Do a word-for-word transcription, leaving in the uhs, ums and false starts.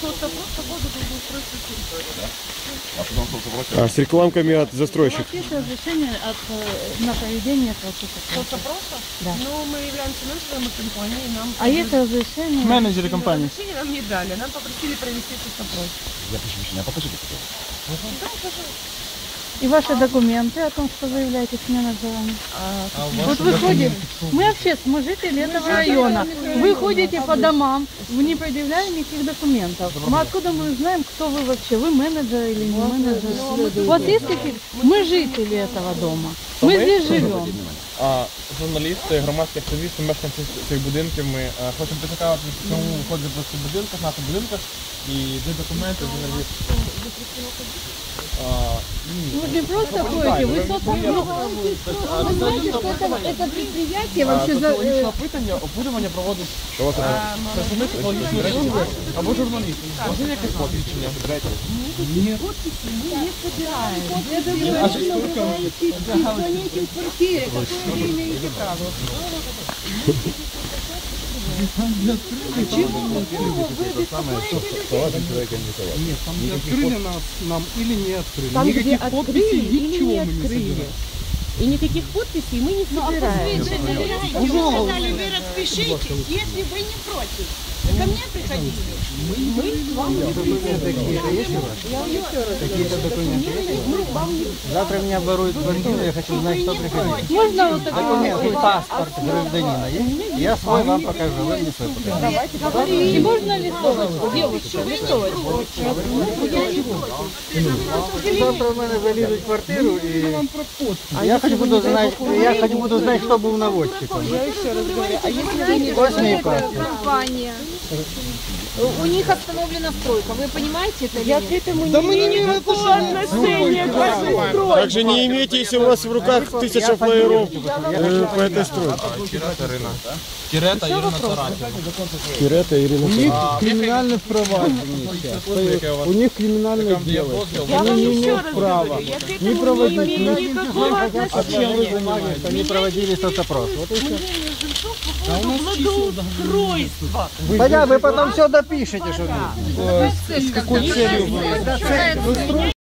соцопрос по поводу благоустройства территории. Да? А потом соцопрос... А с рекламками от застройщиков? У вас есть разрешение от, на проведение соцопроса? Соцопроса? Да. Ну, мы являемся менеджером компании, нам... А есть разрешение? Менеджеры компании. Разрешение нам не дали, нам попросили провести соцопрос. Я прошу прощения, а покажите, пожалуйста. Да, пожалуйста. И ваши документы о том, что вы являетесь менеджером? А, А Вот вы ходите, мы вообще, мы жители этого района, вы ходите по домам, вы не предъявляя никаких документов. Мы откуда мы знаем, кто вы вообще, вы менеджер или не менеджер? У вас есть какие-то? Мы жители этого дома, мы здесь живем. А, журналісти, громадські активісти, мешканці цих будинків, ми а, хочемо поцікавити, чому виходить в цих будинках, в наших будинках, і де документи взагалі. А, ні. Вы не просто ходите, вы соцопрос. Вы знаете, что это, это предприятие вообще за... Екологічне опитання, опитування проводить представник екологічної служби або журналісти. Можна якесь посвідчення? Ні. Подписи мы не собираем. Это вы называете звоните в квартире, какое вы имеете право. Почему вы беспокоите людей? Нет, там не открыли нас, нам или не открыли. Там, Никаких где подписей, открыли или ничего не мы не открыли. собираем. И никаких подписей мы не собираем. Вы сказали, вы распишите, если вы не против. Вы ко мне приходили? Мы к вам не приходим. Какие-то документы есть? Мы к вам не Завтра меня воруют квартиру, я хочу знать, кто приходит. Можно вот такой Документы, паспорт гражданина есть? Я свой вам покажу, вы мне свой покажете. И можно листовочку, девушка, листовочку. Завтра у мене залізуть в квартиру і я хоч буду знати, я хоч буду знати, хто був наводчиком. Я еще раз говорю, а если вы не Ось мій паспорт. компания, у них остановлена стройка, вы понимаете это? Я к этому Да не мы не имею имеем никакого отношения к вашей стройке. Также не имейте, если у вас в руках тысяча флаеров э, по этой стройке. Кірета Ірина Таратіна. Кирета, Ирина. У них криминальное проваджение сейчас. У них криминальное дело. Я Они вам не еще имеют раз права говорю, я к не этому не проводить. имею никакого А чем вы отношения. занимаетесь? Они проводили соцопрос. Вот и все. Мнение жильцов по поводу благоустройства. Понятно, вы потом все допишете, что С какой целью вы?